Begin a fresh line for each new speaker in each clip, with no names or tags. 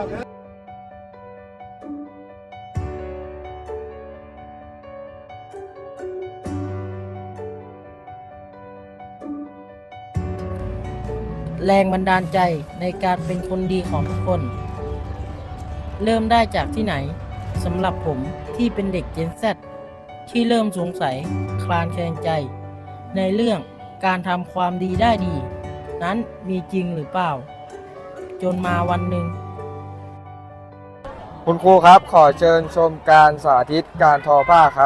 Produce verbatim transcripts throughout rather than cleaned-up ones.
แรงบันดาลใจในการเป็นคนดีของทุกคน เริ่มได้จากที่ไหนสำหรับผมที่เป็นเด็ก Gen Z ที่เริ่มสงสัยคลางแคลงใจ ในเรื่องการทำความดีได้ดี นั้นมีจริงหรือเปล่า จนมาวันหนึ่ง
คุณครูครับขอเชิญชมการสาธิตการทอผ้าครับ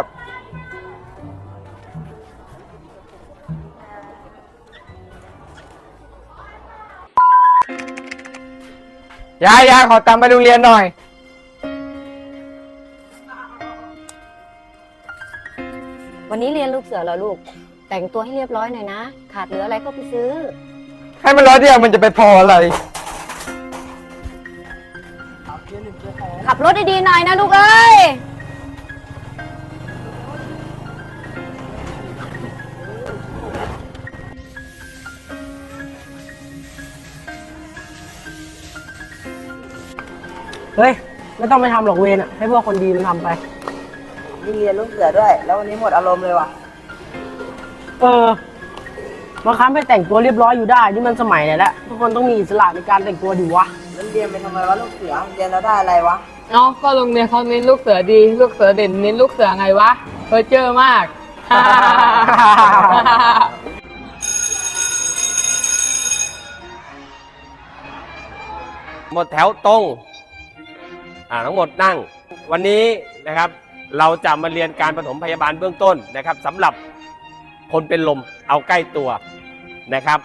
ยายยายขอตามไปโรงเรียนหน่อย
วันนี้เรียนลูกเสือเหรอลูก แต่งตัวให้เรียบร้อยหน่อยนะ ขาดเหลืออะไรก็ไปซื้อ
ให้มันร้อยเดียวมันจะไปพออะไร
ขับรถดีๆหน่อยนะลูกเอ้ย
เฮ้ย ไม่ต้องไปทำหรอกเวรอ่ะ ให้พวกคนดีมันทำไป
นี่เรียนลูกเสือด้วย แล้ววันนี้หมดอารมณ์เลยว่ะ
เออบางครั้งไปแต่งตัวเรียบร้อยอยู่ได้ นี่มันสมัยไหนแล้วทุกคนต้องมีอิสระในการแต่งตัวดิวะ
แล้วเรียนไปทำไมวะลูกเสือ เรียนแล้วได้อะไรวะ
เนาะก็โรงเรียนเขาเน้นลูกเสือดี ลูกเสือเด่นเน้นลูกเสือไงวะเพอเจอมาก
หมดแถวตรงอ่าทั้งหมดนั่งวันนี้นะครับเราจะมาเรียนการปฐมพยาบาลเบื้องต้นนะครับสำหรับคนเป็นลมเอาใกล้ตัวนะครับ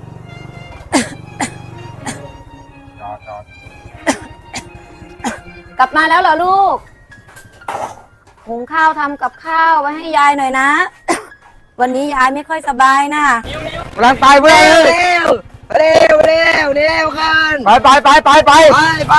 กลับมาแล้วเหรอลูก หุงข้าวทำกับข้าวไว้ให้ยายหน่อยนะ วันนี้ยายไม่ค่อยสบายนะ
กำลังไปเพื่อน
เร็ว เร็ว เร็ว เร็วกัน
ไปไปไปไปไป
ไปไป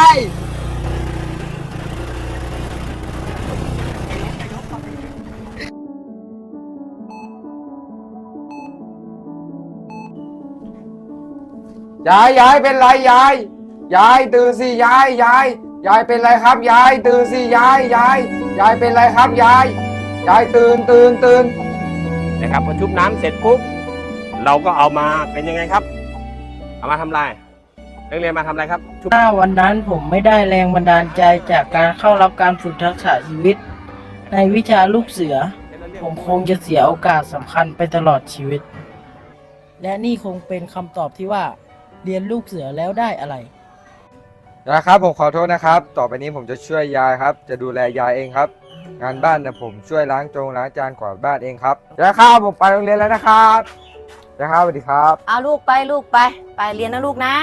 ยายยายเป็นไรยายยายตื่นสิยายยายยายเป็นไรครับยายตื่นสิยายยายยายเป็นไรครับยายยายตื่นตื่นตื่น
นะครับพอชุบน้ำเสร็จปุ๊บเราก็เอามาเป็นยังไงครับเอามาทำอะไรนักเรียนมาทำอะไรครับชุบ
ถ้าวันนั้นผมไม่ได้แรงบันดาลใจจากการเข้ารับการฝึกทักษะชีวิต ในวิชาลูกเสือ ผมคงจะเสียโอกาสสำคัญไปตลอดชีวิต และนี่คงเป็นคำตอบที่ว่า เรียนลูกเสือแล้วได้อะไร
นะครับผมขอโทษนะครับ ต่อไปนี้ผมจะช่วยยายครับ จะดูแลยายเองครับ งานบ้านนะผมช่วยล้างจงล้างจานกวาดบ้านเองครับยายครับผมไปโรงเรียนแล้วนะครับยายครับสวัสดีครับ
เอาลูกไปลูกไป ไปเรียนนะลูกนะ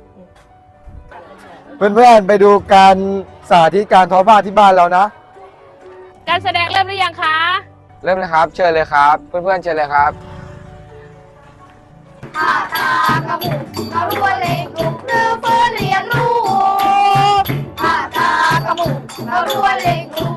เพื่อนๆไปดูการสาธิตการทอผ้าที่บ้านเรานะ
การแสดงเริ่มหรือยังคะ
เริ่มเลยครับเชิญเลยครับ เพื่อนๆเชิญเลยครับ
เราล้วนเล็กลูกหรือเพื่อเรียนรู้ผ่าตากระหมุกเราล้วนเล็กลูก